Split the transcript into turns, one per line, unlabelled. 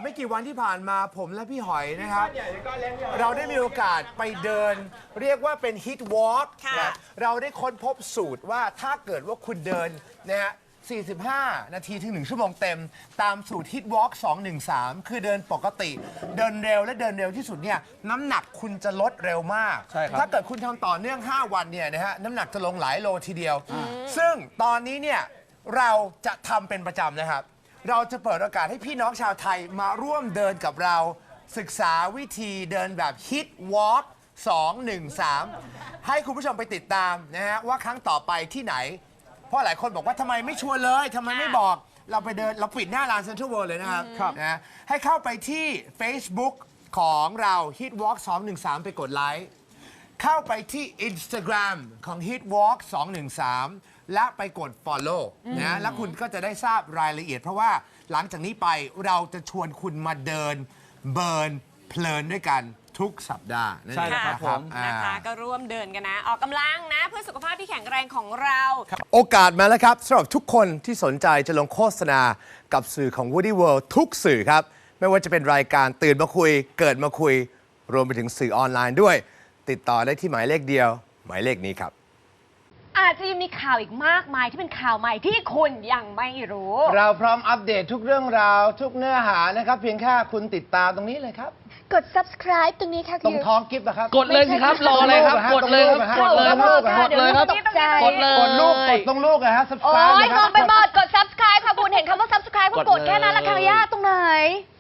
ไม่กี่วันที่ผ่านมาผมและพี่หอยนะครับเราได้มีโอกาสไปเดินเรียกว่าเป็นฮิตวอล์กเราได้ค้นพบสูตรว่าถ้าเกิดว่าคุณเดินนะฮะ45 นาทีถึง1 ชั่วโมงเต็มตามสูตรฮิตวอล์ก213คือเดินปกติเดินเร็วและเดินเร็วที่สุดเนี่ยน้ำหนักคุณจะลดเร็วมากถ้าเกิดคุณทำต่อเนื่อง5 วันเนี่ยนะฮะน้ำหนักจะลงหลายโลทีเดียวซึ่งตอนนี้เนี่ยเราจะทำเป็นประจำนะครับเราจะเปิดโอกาสให้พี่น้องชาวไทยมาร่วมเดินกับเราศึกษาวิธีเดินแบบฮิตวอล์ก213ให้คุณผู้ชมไปติดตามนะฮะว่าครั้งต่อไปที่ไหนเพราะหลายคนบอกว่าทำไมไม่ชวนเลยทำไมไม่บอกเราไปเดินเราปิดหน้าร้านเซ็นทรัลเวิลด์เลยนะครับนะให้เข้าไปที่ Facebook ของเรา Hitwalk 213 ไปกดไลค์เข้าไปที่ Instagram ของ Hitwalk 213 และไปกด Follow นะแล้วคุณก็จะได้ทราบรายละเอียดเพราะว่าหลังจากนี้ไปเราจะชวนคุณมาเดินเบิร์นเพลินด้วยกันทุกสัปดาห์นั่นเองนะครับ
นะคะก็ร่วมเดินกันนะออกกำลังนะเพื่อสุขภาพที่แข็งแรงของเรา
โอกาสมาแล้วครับสำหรับทุกคนที่สนใจจะลงโฆษณากับสื่อของ Woody World ทุกสื่อครับไม่ว่าจะเป็นรายการตื่นมาคุยเกิดมาคุยรวมไปถึงสื่อออนไลน์ด้วยติดต่อได้ที่หมายเลขเดียวหมายเลขนี้ครับ
อาจจะยังมีข่าวอีกมากมายที่เป็นข่าวใหม่ที่คุณยังไม่รู้
เราพร้อมอัปเดตทุกเรื่องราวทุกเนื้อหานะครับเพียงแค่คุณติดตามตรงนี้เลยครับ
กด subscribe ตรงนี้ค่ะ
ตรงท้องกิฟต์นะครับ
กดเลยสิครับรออะไรครับกดเลยครับกดเลยครับกดเลยครับกดเลย
กดลูกกดตรงลูกนะฮะ
subscribe โอ้ยมองไปหมดกด subscribe ค่ะคุณเห็นคำว่า subscribe ก็กดแค่นั้นละค่ะยากตรงไหน